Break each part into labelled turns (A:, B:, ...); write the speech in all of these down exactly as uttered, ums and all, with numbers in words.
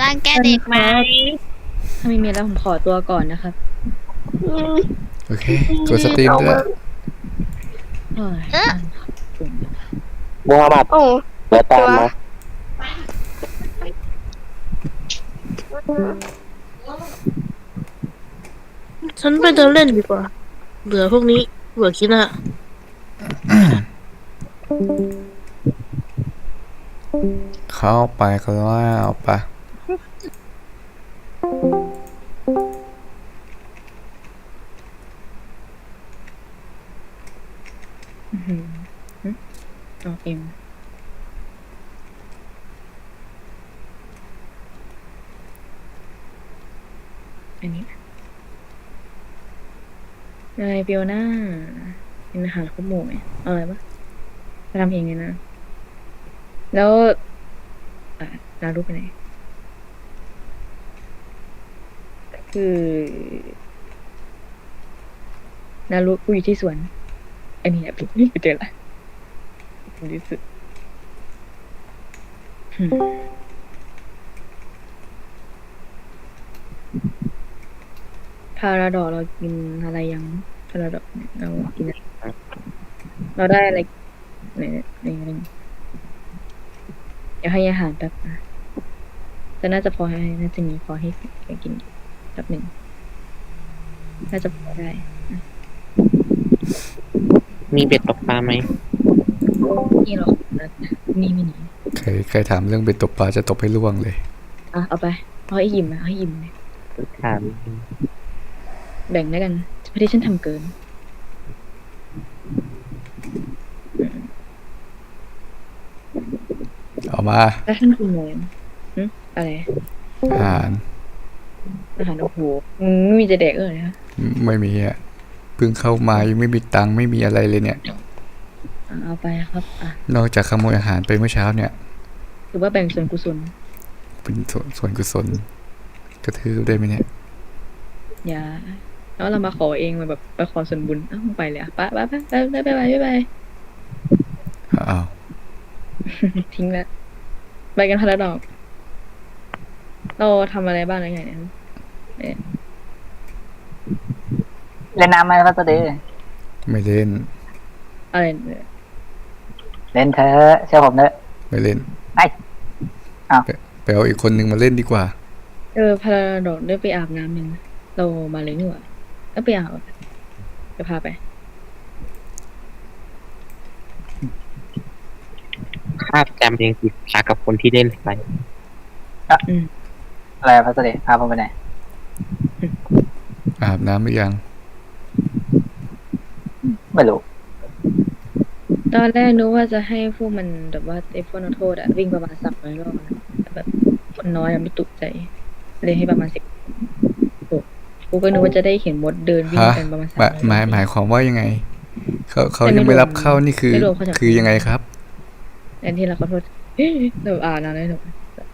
A: รังแกเด็กไหม
B: ถ้าไม่มีแล้วผมขอตัวก่อนนะครับ
C: โอเคกดสตรีมด้วย
D: มูฮัมหมัดเดี๋ยวตามมา
E: ฉันไปเดินเล่นดีกว่าเบื่อพวกนี้เบื่อคิดอะ
C: เข้าไปก็ว่าเอาไป
B: เอาเองอันนี้นายฟิโอน่าเป็นอาหารครบหมู่ไหมเอาอะไรปะไปทำเองเลยนะแล้วอ่ะนารูไปไหนคือนารูกูอยู่ที่สวนอันนี้อ่ะพี่ไปเจอละที่สุดพาราดอกเรากินอะไรยังพาราดอกเนี่ยเรากินอะไรเราได้อะไรไหนไหนอะไรเดี๋ยวให้อาหารแป๊บนะแต่น่าจะพอให้น่าจะมีพอให้กินแป๊บหนึ่งน่าจะพอได้
D: มีเบ็ดตกปลาไหม
B: นี่หรอกนี่ไม่หนี
C: ใครใครถามเรื่องเป็นตกปลาจะตกให้ล่วงเลย
B: อ่ะเอาไปเอาให้ยิ้มนะเอาให้ยิ้มเลย
D: ถาม
B: แบ่งด้วยกันพอดีฉันทำเกิน
C: เอามา
B: แล้วท่านกินอะไรอืมอะไร
C: อาหาร
B: อาหารโอ้โหไม่มีจะแดกเลยนะ
C: ไม่มีอ่ะเพิ่งเข้ามายังไม่มีตังค์ไม่มีอะไรเลยเนี่ย
B: เอาไปครับอ่ะ
C: นอกจากขโมยอาหารไปเมื่อเช้าเนี่ย
B: ถือว่าแบ่งส่วนกุศล
C: เป็นส่วนส่วนกุศลกระทืบได้ไหมเนี่ย
B: อย่าแล้วเรามาขอเองมาแบบไปขอส่วนบุญอ้าวไปเลยอ่ะไปไปไปไปไปไปไปไป
C: อ้าว
B: ทิ้งแล้วไปกันพาราดอกเราทำอะไรบ้างอะไรไงเนี่ย
D: เล่นน้ำไหมพัสดี
C: ไม่เล่น
B: อะไรเนี่ย
D: เล่นเธอเชื่อผมเนอะ
C: ไม่เล่น
D: ไอ้อ้าว
C: ไปเอาอีกคนนึงมาเล่นดีกว่า
B: เออพาราดอกได้ไปอาบน้ำยังเรามาเลยนี่หว่าก็ไปอาบจะพาไป
D: ภาพจำยังติดตากับคนที่เล่นไปอะไรพัสดีพาผมไปไหน
C: อาบน้ำหรือยัง
D: ไม่รู้
B: ตอนแรกนึกว่าจะให้พวกมันแบบว่าไอ้พวกนักโทษอะวิ่งประมาณสักร้อยรอบแบบคนน้อยอะไม่ตุกใจเลยให้ประมาณสิบกูก็นึกว่าจะได้เห็นมดเดินวิ่งกันประมาณสาม
C: หมายหมายความว่ายังไงเขาเขายังไม่รับเข้านี่คือคือยังไงครับ
B: อันที่เราขอโทษเดี๋ยวอ่านนะเลยหนู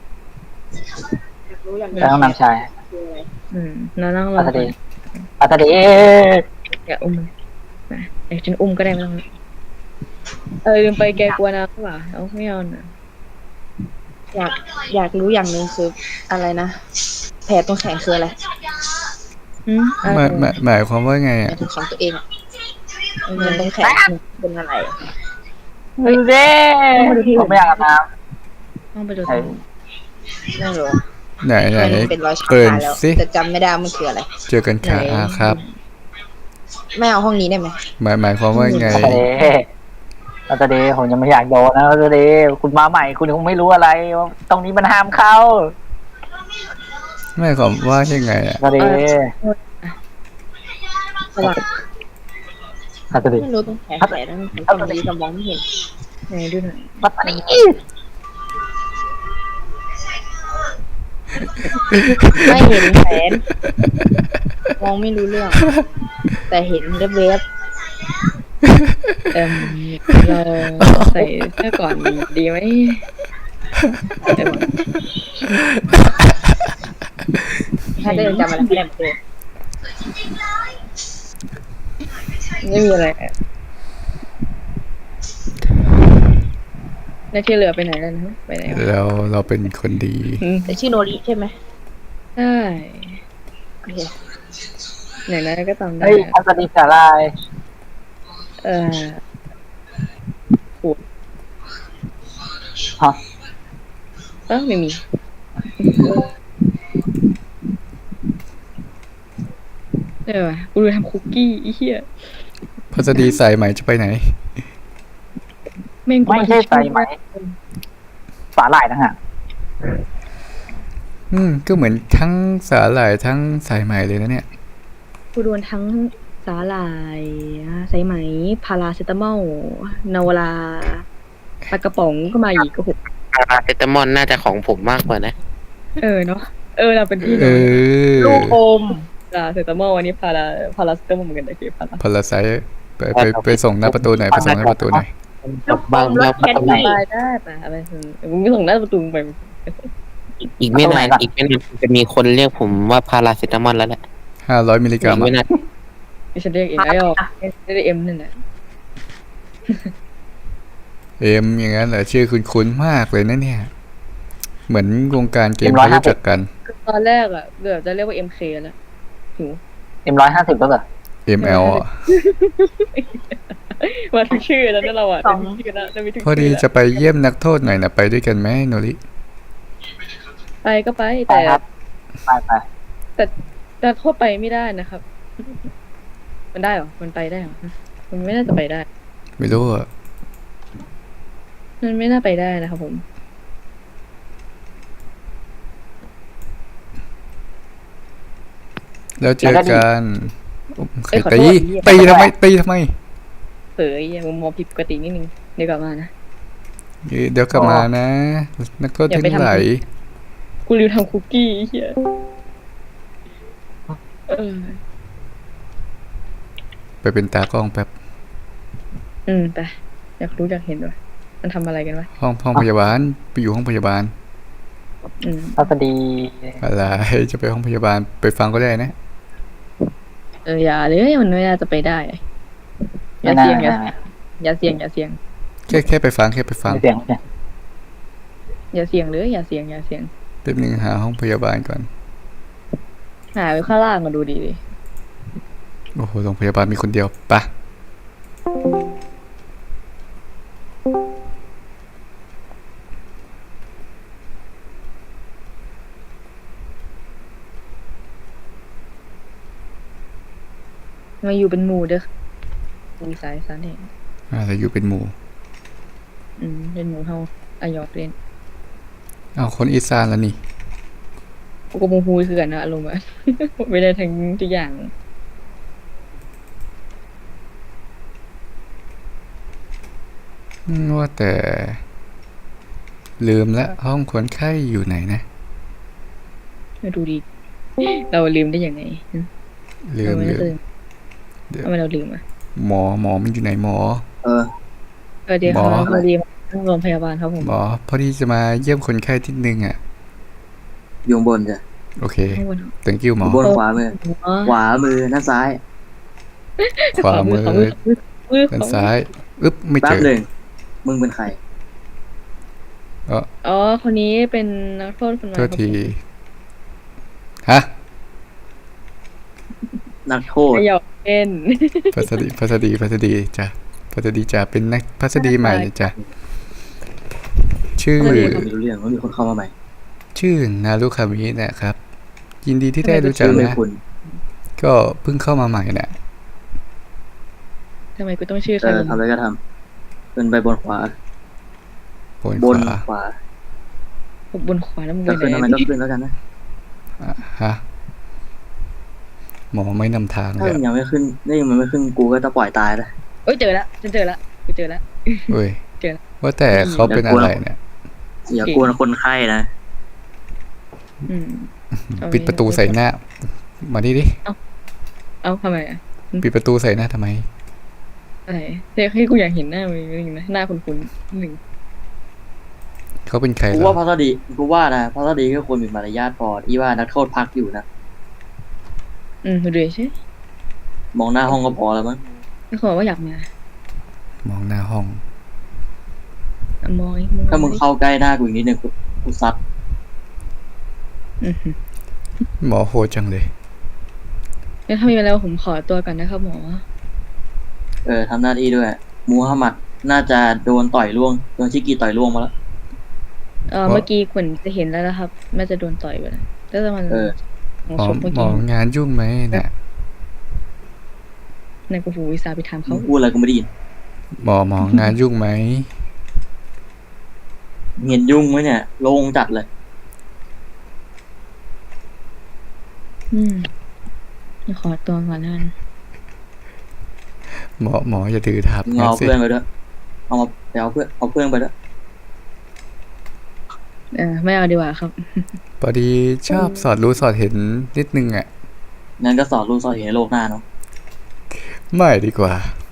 D: แล้วต้องนำชาย
B: อืมนั่งนั่งรอ
D: พัสดีพัสดี
B: อย่าอุ้มนะไอ้ฉันอุ้มก็ได้ไม่ต้องเออลืมไปแกกลัวนะหรือเปล่าเอาไม่เอานะ
E: อยากอยากรู้อย่างหนึ่งคืออะไรนะแผลตรงแขนคืออะไร
B: อืม
C: หมายหมายความว่าไงอ่ะ
E: ของตัวเองเงินตรงแขนเป็นอะไร
D: ดูเด้ผมไม่อยากอาบน้
B: ำต้องไปดู
E: ไม่รู้
C: ไหนไหน
E: เป็นรอยช้ำ
C: เปิด
E: สิแต่จำไม่ได้มันคืออะไร
C: เจอกันค่ะอาครับ
E: ไม่เอาห้องนี้ได้ไหม
C: หมายหมายความว่าไง
D: พัสดีผมยังไม่อยากโดนนะพัสดีคุณมาใหม่คุณคงไม่รู้อะไรตรงนี้มันห้ามเข้า
C: ไม่ความว่ายังไงอ่ะ
D: พัสดีพัสดี
E: ไม่รู้ตรงแขนแผลนั้นตรงนี้กำลังไม่เห็น
B: ไหนดูหน่อย
D: พัสดี
E: ไม่เห็นแขนมองไม่รู้เรื่องแต่เห็นเว็บ
B: เออเราใส่เสื้อก่อนดีไหม
E: ถ้าได้จำอะไรไม่ได้เลย
B: ไม่มีอะไรแล้วที่เหลือไปไหนแล้วนะไปไหนวะ
C: แล้วเราเป็นคนดี
B: อืม
E: แต่ชื่อโนริใช่ไหม
B: ใช่
E: โอเค
B: อย่างนั้นก็จำได้
D: เฮ้ยทัศนีสาลาย
B: เออ
D: ฮะ
B: เออไม่มีเออวะกูดูทำคุกกี้ไอ้เหี้ย
C: พัสดีสายไหมจะไปไหน
B: แม่งกู
D: ไม่ใช่ไซไหมสาหร่ายนะฮะ
C: อืมก็เหมือนทั้งสาหร่ายทั้งสายไหมเลยนะเนี่ย
B: กูโดนทั้งสาหร่ายสายไหมพาราเซตามอลนาวลาปลากระป๋องก็มาอีกโอ้โห
A: พาราเซตามอลน่าจะของผมมากกว่านะ
B: เออเนาะเออเราเป็นพี่
C: เอ
B: น้อง
C: อ
E: ลูกอม
B: พาราเซตามอลวันนี้พาราพาราเซตามอลเหมือนกันแต่คือพารา
C: พลไซไปไปไปส่งหน้าประตูหน่อยไปส่งหน้าประตูหน่อย
A: กับบางแล้วประตู
B: ไปได้ปะอะไรถึงมึงไม่ส่งหน้าประตูไป
A: อีกไม่นานอีกไม่นานจะมีคนเรียกผมว่าพาราเซตามอลแล้วแหละ
C: ห้าร้อยมิลลิกรั
A: อี
C: ม
A: กไม่
C: อะ
A: นาน
B: ดิฉันเรียกเองไอ้ออกไม่ได้เอ็มนั่นแหละ
C: เอ็มอย่างนั้นเหรอชื่อคุ้นๆมากเลยนะเนี่ย เหมือนวงการเกมเขารู้จักกัน
B: ตอนแรกอ่ะเกือบจะเรียกว่าเอ็มเคแล้วหิว
D: เอ็มร้อยห้าสิบแล้วเหรอ
C: เอ็ม แอล อ่ะ
B: มาทุกชื่อแล้วนั่นเราอ่ะจะมีชื่อแล้วจะมีทุก
C: พอดี
B: ชื่อ
C: จะไปเยี่ยมนักโทษหน่อยนะไปด้วยกันไหมโนริ
B: ไปก็ไป
D: ไป
B: แต่
D: ครับไปไป
B: แต่แต่โทษไปไม่ได้นะครับ มันได้เหรอมันไปได้เหรอมันไม่น่าจะไปได้
C: ไม่รู้อ่ะ
B: มันไม่น่าไปได้นะครับผม
C: แล้วเจอกันใคร
B: เอ้ยขอโท
C: ตี
B: ษ
C: ตีทำไมตีทำไม
B: เผยมุมมองผิดปกตินิดนึงเดี๋ยวกลับมานะ
C: เดี๋ยวกลับมานะ นักโทษ
B: อย่า
C: ทั้
B: ไป
C: งหลาย
B: ทำ กูรีวทำคุกกี้ไอ้เฮียเออ
C: ไปเป็นตากล้องแป๊บ
B: อืมไปอยากรู้อยากเห็นด้วยมันทำอะไรกันวะ
C: ห้องห้องพยาบาลไปอยู่ห้องพยาบาล
B: อืม
D: ทัศนี
C: อะไรจะไปห้องพยาบาลไปฟังก็ได้นะ
B: เอออย่าเลยมันไม่น่าจะไปได้อย่า
D: ไม่น่า
B: เสี่ยงอย่า
D: ไม่น่า
B: อย่าเสี่ยงอย่าเสี่ยง
C: แค่แค่ไปฟังแค่ไปฟัง
D: ไม่เสียงเนี่ย
B: อย่าเสี่ยงเลยอย่าเสี่ยงอย่าเสี่ยง
C: แป๊บนึงหาห้องพยาบาลก่อน
B: หาไปข้างล่างมาดูดีดิ
C: โอ้โหโรงพยาบาลมีคนเดียวปะ
B: มาอยู่เป็นหมู่เด้อมีสายสารเห็น
C: อะไรอยู่เป็นหมู่
B: อืมเป็นหมู่เฮาอายอกเล่น
C: อ้าวคนอีสานแล้วนี่
B: กูก็โมโหคือกันนะอารมณ์อะ ไม่ได้ทั้งทุกอย่าง
C: อืมว่าแต่ ลืมละห้องคนไข้อยู่ไหนนะ
B: มาดูดี เราลืมได้ยังไง
C: ลืม
B: ทำไม
C: ลื
B: เรา
C: ม
B: ลืม
C: เดี๋ยว
B: ทำไมเราลืมอ่ะ
C: หมอหมอมันอยู่ไหนหมอ
D: เออ
B: สวัสดีครับ
C: หมอ
B: สวัสดีครับโรงพยาบาลครับผม
C: หมอพอดีจะมาเยี่ยมคนไข้ที่นึงอ่ะ
F: อยู่ข้างบนจ้ะ
C: โอเค
B: ข้างบน
C: thank you หม
F: อ
C: อยู่
F: บนขวามือ
B: อ๋อ
F: ขวามือด้านซ้าย
C: ขวามือ
B: ขวามือมือ
C: ด้านซ้ายอึ๊บไม่
F: แป๊
C: เจ
F: บ
C: อ
F: หนึ่งมึงเป็นใคร
B: อ๋อคนนี้เป็นนักโทษคนใหม่
C: โท
B: ครั
C: ษ
B: บ
C: ที
B: ผม
C: ฮะ
F: นักโทษ
B: ไม่หยอกเล่น
C: พัสดีพัสดีพัสดีจ้ะพัสดีจ้ะเป็นนักพัสดีใหม่จ้ะชื่อ
F: ไม่ได้ไม่รู้เรื่องว่ามีคนเข้ามาใหม่
C: ชื่อนารุคามินะครับ ยินดีที่ได้รู้จั
F: ชื่
C: ก
F: อไม่
C: นะ
F: คุณ
C: ก็เพิ่งเข้ามาใหม่น่ะ
B: ทำไมกูต้องชื่อ
F: เอ
B: เขา
F: อทำอะไรก็ทำขึ้นไปบนขวา
C: บน
F: บ
C: ข
F: น
C: วา
F: ขวา
B: บนขวาแล้วมึง
F: จะ
B: ไป
F: ขึ้น
B: ไหน
F: ทำไมก็ขึ้นแล้วกันนะ
C: อ่ะฮะหมอไม่นำทาง
F: ถ้า
C: เลย
F: มัน
C: อะ
F: ยังไม่ขึ้นนี่มันไม่ขึ้นกูก็จะปล่อยตายแล้ว
B: เอ้ยเจอละฉันเจอละกูเจอละ
C: เว้ย
B: เจอ
C: ว่าแต่เขาเป็นอะไรเนี่ย
F: อย่ากวนคนไข้นะ
B: อืมเอา
C: ปิดประตูใส่หน้า มาดิดิ
B: เอ้าทำไมอ่ะ
C: ปิดประตูใส่หน้าทำไม
B: อะไรเดี๋ยวให้กูอยากเห็นหน้ามึงนิดนึงนะหน้าคุ้นๆหนึ่ง
C: เขาเป็นใคร
F: กู
C: เหร
F: ว่า
C: อ
F: พัสดีกูว่านะพัสดีก็ควรมีมารยาทพอที่ว่านักโทษพักอยู่นะ
B: อืมดูดิใช่
F: มองหน้าห้องก็พอแล้วมั้ง
B: ไม่ขอว่าอยากมา
C: มองหน้าห้อง
B: อะมองอีก
F: ถ้ามึงเข้าใกล้หน้ากูอีกนิดนึงกูกูซัด
B: อื้อหือ
C: หมอโหดจังเลย
B: งั้นถ้ามีเวลาผมขอตัวก่อนนะครับหมอ
F: เออทำหน้าที่ด้วยมูฮัมหมัดน่าจะโดนต่อยล่วงโดนชิกีต่อยล่วงมาแล้ว
B: เออ
C: หมอ
B: เมื่อกี้คุณจะเห็นแล้วนะครับน่าจะโดนต่อยไปแล้วแต่มัน
F: เออ
B: ของ
C: หมอ
B: ศพเมื่อ
C: หมอ
B: กี้
C: งานยุ่งไหมเนี่ย
B: ในกูหูวิสาไปถาม
F: มึ
B: เขา
F: งพูดอะไรกูไม่ได้ยิน
C: หมอหมองานยุ่งไหม
F: เห็นยุ่งไหมเนี่ยโล่งจัดเลย
B: อืมขอตัวก่อนแล้วกัน
C: หมอหมออย่าถือทับ
F: มึง
C: งั้น
F: เอา
C: สิ
F: เพื่อนไปด้วยเอามาไปเอาเพื่อนเอาเพื่อนไปด้วย
B: เออไม่เอาดีกว่าครับ
C: พอดีชอบสอดรู้สอดเห็นนิดนึงอ่ะ
F: งั้นก็สอนลูกสอนเห็นโลกหน้าเนาะ
C: ไม่ดีกว่า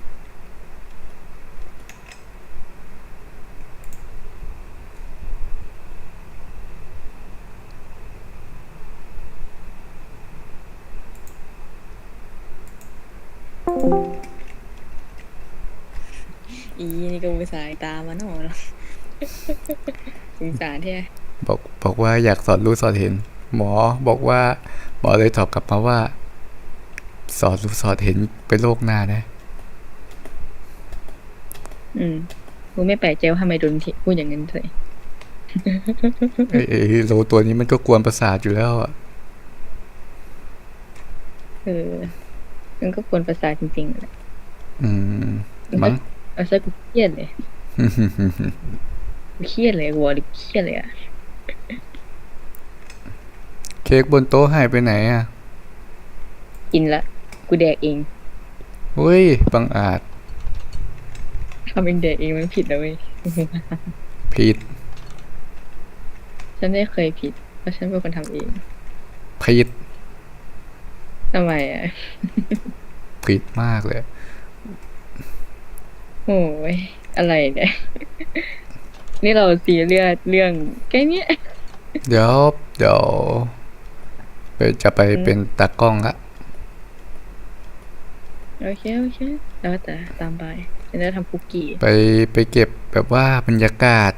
B: อีนี่ก็วิสาตามมาหน่อยสงสารแท้
C: บอกบอกว่าอยากสอดรู้สอดเห็น หมอบอกว่า หมอเลยตอบกลับมาว่า สอดรู้สอดเห็นเป็นโรคหน้านะ
B: อืมกูไม่แปลกใจว่าทำไมโดนทิพูดอย่างนั้นเลย
C: ไอ้ไอ้โลตัวนี้มันก็กวนประสาทอยู่แล้วอ่ะ
B: เออมันก็ควรประสาทจริงๆแหละ
C: อืมมั้ง
B: เอาซะกูเครียดเลยกูเครียดเลยกูบอกเลยเครียดเลยอะ
C: เค้กบนโต๊ะหายไปไหนอ่ะ
B: กินละกูแดกเอง
C: เฮ้ยบังอาจ
B: ทำเองแดกเองมันผิดนะเว้ย
C: ผิด
B: ฉันไม่เคยผิดเพราะฉันเป็นคนทำเอง
C: ผิด
B: ทำไมอ่ะ
C: ผิดมากเลย
B: โอ้ยอะไรเนี่ย นี่เราซีเรียสเรื่องแค่เนี้ย
C: เดี๋ยวเดี๋ยวไปจะไปเป็นตากล้องละ
B: โอเคโอเคแล้วแต่ตามไปฉันจะทำคุกกี้
C: ไปไปเก็บแบบว่าบรรยากาศ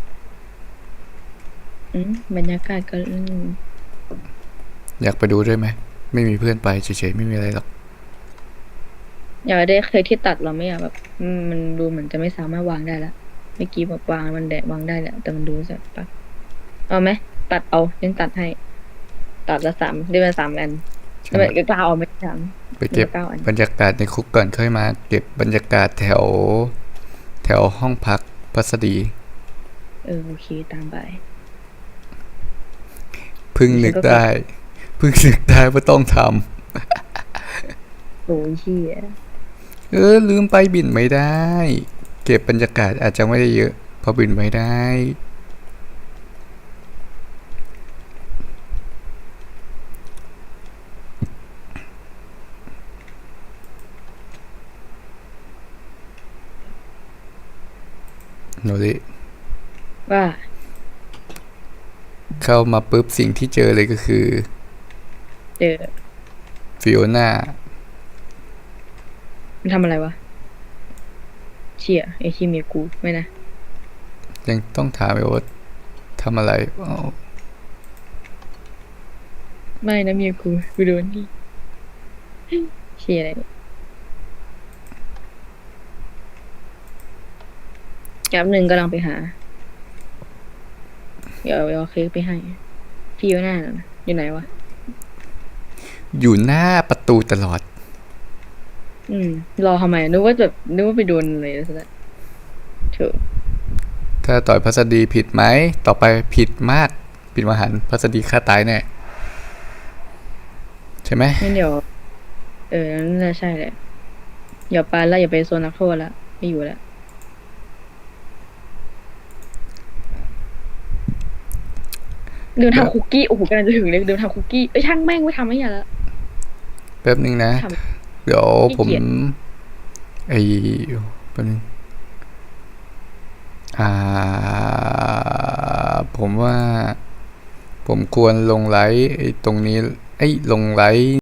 B: อืมบรรยากาศก็อืม
C: อยากไปดูด้วยไหม ไม่มีเพื่อนไปเฉยๆไม่มีอะไรหรอก
B: อยากได้เคยที่ตัดเราไม่อะแบบอืมมันดูเหมือนจะไม่สามารถวางได้ละเมื่อกี้แบบวางมันแดะวางได้แหละแต่มันดูจะปักเอาไหมตัดเอาฉันตัดให้ ตัดละสามได้มาสามอัน
C: ใช่
B: ทำ
C: ไห
B: ไม
C: ม
B: ก็กล้าเอาไม่สาม
C: ไปเก็บ
B: เก้าอัน
C: บรรยากาศในคุกก่อนค่อยมา เก็บบรรยากาศแถว แถวห้องพักพัสดี
B: เออโอเคตามไป
C: เพึ่งนึกได้เพึ่งนึกได้ว่าต้องท
B: โอ้ยเชี่ย
C: ำเออลืมไปบินไม่ได้ เก็บบรรยากาศอาจจะไม่ได้เยอะเพอบินไม่ได้โนริ
B: ว่า
C: เข้ามาปุ๊บสิ่งที่เจอเลยก็คือ
B: เจอ
C: ฟิโอน่า
B: มันทำอะไรวะเชี่ยไอที่เมียกูไม่นะ
C: ยังต้องถามไปว่าทำอะไรอ้าว
B: ไม่นะเมียกูกูโดนที่เชี่ยอะไรเนี่ยแป๊บหนึ่งกำลังไปหา เดี๋ยวเอาเค้กไปให้ พี่อยู่หน้าน่ะนะอยู่ไหนวะ
C: อยู่หน้าประตูตลอด
B: อืม รอทำไมนึกว่าแบบนึกว่าไปโดนอะไรซะแล้วเถอะ
C: ถ้าต่อยพัสดีผิดไหม ต่อไปผิดมาก ผิดมหันต์พัสดีฆ่าตายแน่ ใช่ไหม
B: งั้นเดี๋ยว เออนั่นแหละใช่แหละอย่าไปแล้วอย่าไปโซนนักโทษละไม่อยู่แล้วเดินทำคุกกี้โอ้โหกำลังจะถึงเลยเดินทำคุกกี้เอ้ยช่างแม่งไม่ทำไม่อย่าละ
C: แป๊บนึงนะ
B: ท
C: เดี๋ยวผม
B: ขี้เกียจ
C: ไอ้แป๊บนึง อ่า ผมว่า ผมควรลงไลฟ์ไอ้ตรงนี้ ไอ้ยลงไลฟ์